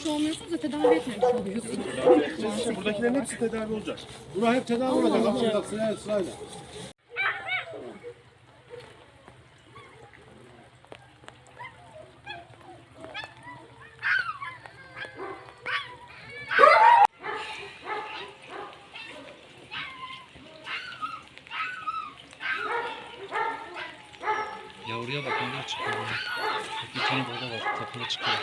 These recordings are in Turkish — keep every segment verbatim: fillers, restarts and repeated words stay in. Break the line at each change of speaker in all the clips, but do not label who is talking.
olmuş olmuyorsunuz da tedavi etmemiş oluyorsunuz.
İşte buradakilerin hepsi tedavi olacak. Buna hep tedavi olacak ama sırayla sırayla. sırayla.
Yavruya bak onlar çıkıyor. Bir tane baba var tepeye çıkıyor.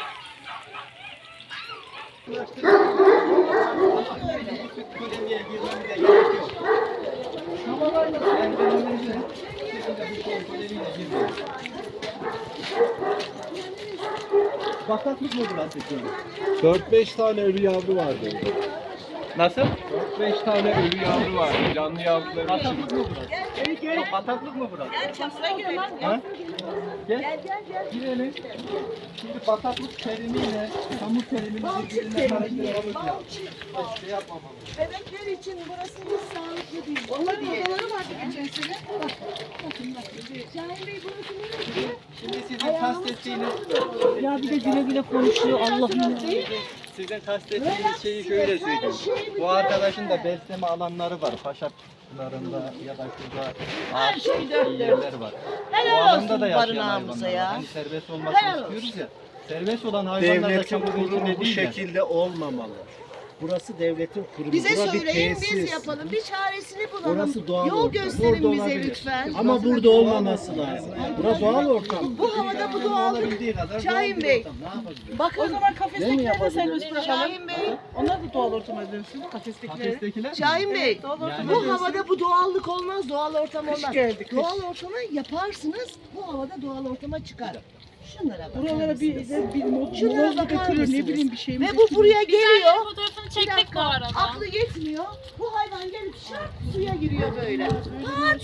Bataklık mı burası şimdi?
dört beş tane ölü yavru vardı.
Nasıl?
dört beş tane ölü yavru vardı. Canlı yavruları.
Bataklık mı burası? Bataklık mı burası?
Gel çamura girelim.
Ha? Gel.
Gel gel gel.
Girelim. Şimdi bataklık terimiyle çamur terimini birbirine karıştırmamız lazım. Şey yapmamamız.
Bebekler için burası hiç sağlıklı değil.
Onların odaları vardı geçen sene. Bak. Bakın bak.
Şahin Bey burası neresi?
Şimdi sizin kastettiğiniz
Ya bir de güle güle konuşuyor Allah'ım.
sizin kastettiğiniz şeyi şöyle söyleyeyim. Bu arkadaşın da besleme alanları var. Paşaplarında ya da şurada ağaç yerler var. Bu
Helal
alanda
olsun
da yaşayan
barınağımıza
hayvanlar var.
ya.
Hani serbest olmasını
Helal
istiyoruz ya. Serbest olan hayvanlar da
Devletin
çamurun
kurumu
içinde
bu
değil ya.
şekilde olmamalı. Burası devletin kurumu.
Bize
Bura bir
söyleyin biz
tesis.
yapalım. Bir çaresini bulalım.
Burası doğal
Yol
ortam.
gösterin
Burada
bize
olabilir.
lütfen.
Ama burada olmaması lazım. Burası doğal ortam.
Bu havada bu doğallık.
Olabildiği kadar
Şahin
doğal bir
Bey.
ortam. Ne yapabiliriz?
Bakın.
O zaman kafestekileri de serbest bırakalım.
Şahin Bey.
Onlar da doğal ortama dönsün. Kafestekileri.
Kafestekiler mi?
Şahin Bey.
Doğal ortama
Yani-
Bu
dönsün.
havada bu doğallık olmaz, doğal ortam olmaz.
geldi, kış.
Doğal ortamı yaparsınız, bu havada doğal ortama çıkar. Şunlara bakar
Buralara bir,
mısınız?
bir, bir mod,
Şunlara
moloz
bakar
kırır, ne
mısınız?
bileyim bir şey mi?
Ve bu buraya geliyor.
Fotoğrafını
Bir
çektik bu
dakika,
arada.
aklı yetmiyor. Bu hayvan gelip şak suya giriyor böyle. Pat!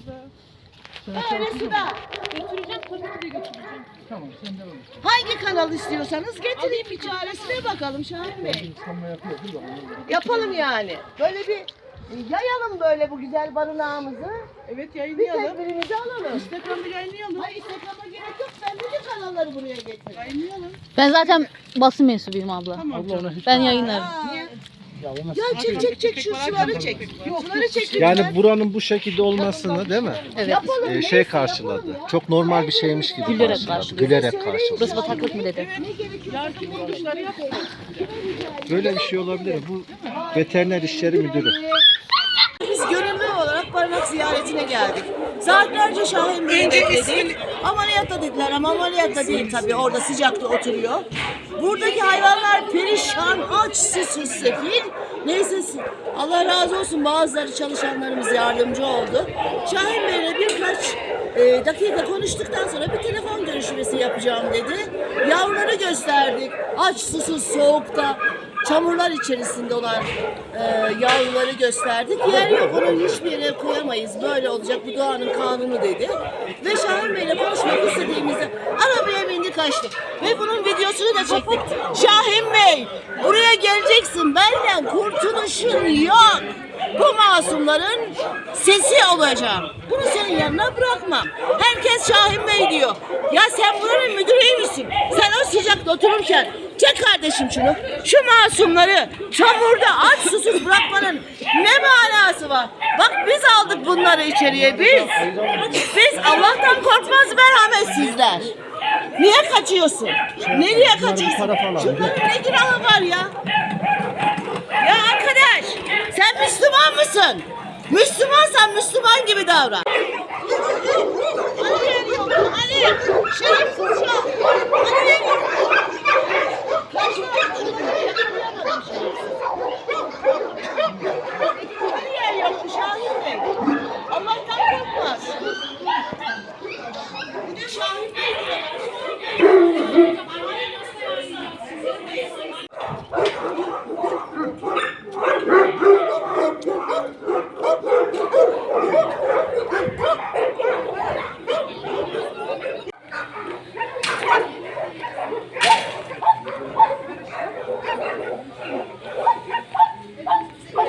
Böyle suda.
Götüreceğim tabii ki de götüreceğim.
Tamam sen devam et.
Hangi kanal istiyorsanız getireyim bir çaresine bakalım Şahin Bey.
Sanma yapıyor değil mi?
Yapalım yani. Böyle bir yayalım böyle bu güzel barınağımızı.
Evet
Bir
yayınlayalım.
tedbirimizi alalım.
Instagram'da yayınlayalım.
Hayır Instagram'a gerek yok. Ben bütün kanalları buraya getirdim.
Yayınlayalım.
Ben zaten basın mensubuyum abla.
Tamam canım.
Ben yayınlarım.
Aa, Ya çek çek çek şu suları çek. Suları çek
Yani
lütfen.
buranın bu şekilde olmasını değil mi?
Evet.
Yapalım.
Ee,
neyse,
şey
yapalım
karşıladı.
ya.
Çok normal bir şeymiş gibi
Gülerek
karşıladı.
karşıladı.
Gülerek karşıladı.
Burası bataklık mı dedi.
Ne gerekiyor?
Yardım kuruluşları yapalım.
Böyle bir şey olabilir. Bu veteriner işleri müdürü.
Biz gönüllü olarak barınak ziyaretine geldik. Saatlerce Şahin Bey'i bekledik. Ameliyatta dediler ama ameliyatta değil tabii. Orada sıcakta oturuyor. Buradaki hayvanlar perişan, aç, susuz, sefil. Neyse Allah razı olsun bazıları çalışanlarımız yardımcı oldu. Şahin Bey'le birkaç e, dakika konuştuktan sonra bir telefon görüşmesi yapacağım dedi. Yavruları gösterdik. Aç, susuz, soğukta. Çamurlar içerisinde olan e, yavruları gösterdik. Yer yok, onu hiçbir yere koyamayız. Böyle olacak, bu doğanın kanunu dedi. Ve Şahin Bey'le konuşmak istediğimizde arabaya bindi kaçtı. Ve bunun videosunu da çektik. Şahin Bey, buraya geleceksin. Benden kurtuluşun yok. Bu masumların sesi olacağım. Bunu senin yanına bırakmam. Herkes Şahin Bey diyor. Ya sen buranın müdürü müsün? Sen o sıcakta otururken çek kardeşim şunu. Şu masumları çamurda aç susuz bırakmanın ne manası var? Bak biz aldık bunları içeriye biz. Biz Allah'tan korkmaz merhametsizler. Niye kaçıyorsun? Nereye kaçıyorsun? Şunların ne günahı var ya? Ya arkadaş sen Müslüman mısın? Müslümansan Müslüman gibi davran.